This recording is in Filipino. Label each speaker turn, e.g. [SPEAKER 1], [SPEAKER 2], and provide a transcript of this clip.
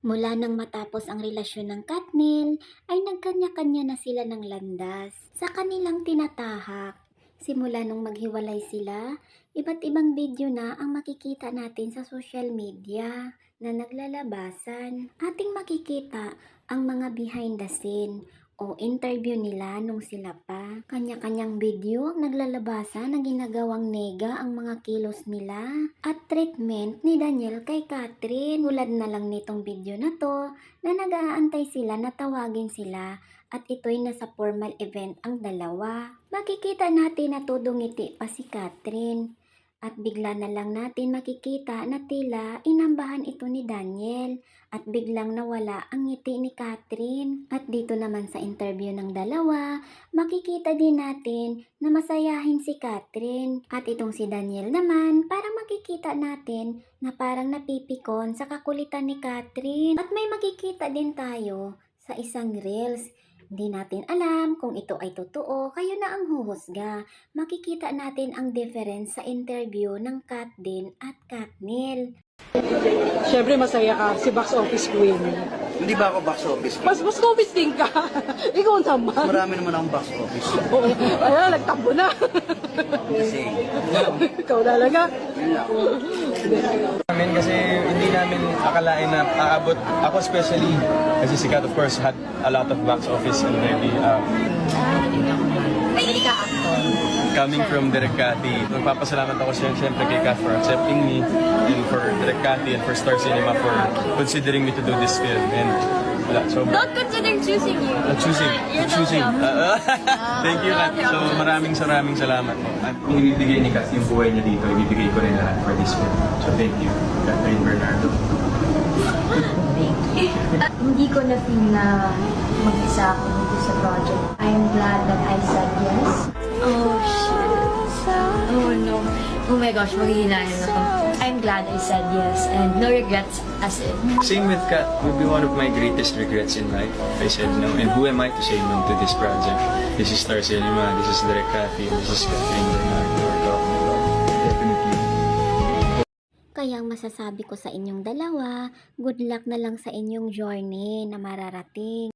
[SPEAKER 1] Mula nang matapos ang relasyon ng Katnill, ay nagkanya-kanya na sila ng landas sa kanilang tinatahak. Simula nung maghiwalay sila, iba't ibang video na ang makikita natin sa social media na naglalabasan. Ating makikita ang mga behind the scene o interview nila nung sila pa. Kanya-kanyang video ang naglalabasan na ginagawang nega ang mga kilos nila at treatment ni Daniel kay Catherine. Tulad na lang nitong video na to na nag-aantay sila na tawagin sila at ito'y nasa formal event ang dalawa. Makikita natin na tudong-ngiti pa si Catherine. At bigla na lang natin makikita na tila inambahan ito ni Daniel at biglang nawala ang ngiti ni Catherine. At dito naman sa interview ng dalawa, makikita din natin na masayahin si Catherine. At itong si Daniel naman, parang makikita natin na parang napipikon sa kakulitan ni Catherine. At may makikita din tayo sa isang reels. Hindi natin alam kung ito ay totoo, kayo na ang huhusga. Makikita natin ang difference sa interview ng Kat din at Katnill.
[SPEAKER 2] Siyempre masaya ka, si box office queen.
[SPEAKER 3] Hindi ba ako box office?
[SPEAKER 2] Box office din ka. Ikaw naman.
[SPEAKER 3] Marami naman akong box office.
[SPEAKER 2] Oo. Ayan, nagtambo na.
[SPEAKER 3] Kasi,
[SPEAKER 2] Ikaw talaga.
[SPEAKER 4] Namin kasi hindi namin akalain na aabot. Ako especially, kasi si Kat of course had a lot of box office already. Coming from Direk Cathy, magpapasalamat ako siyempre kay Kat for accepting me and for Direk Cathy and for Star Cinema for considering me to do this film. And wala, so
[SPEAKER 5] Don't consider choosing you.
[SPEAKER 4] choosing. Thank you, Kat. So maraming salamat po. At kung ibibigay ni Kat yung buhay niya dito, ibibigay ko rin lahat for this film. So thank you, Catherine Bernardo.
[SPEAKER 5] Hindi ko na feel na mag-isa ako dito sa project. I am glad that I said yes. Oh, shit. Oh, no. Oh my gosh, maghihinayan ako. I'm glad I said yes and no regrets as in.
[SPEAKER 4] Same with Kat, would be one of my greatest regrets in life. I said no, and who am I to say no to this project? This is Star Cinema, this is Direk Cathy, this is Catherine Bernardo. We're talking about definitely.
[SPEAKER 1] Kaya ang masasabi ko sa inyong dalawa, good luck na lang sa inyong journey na mararating.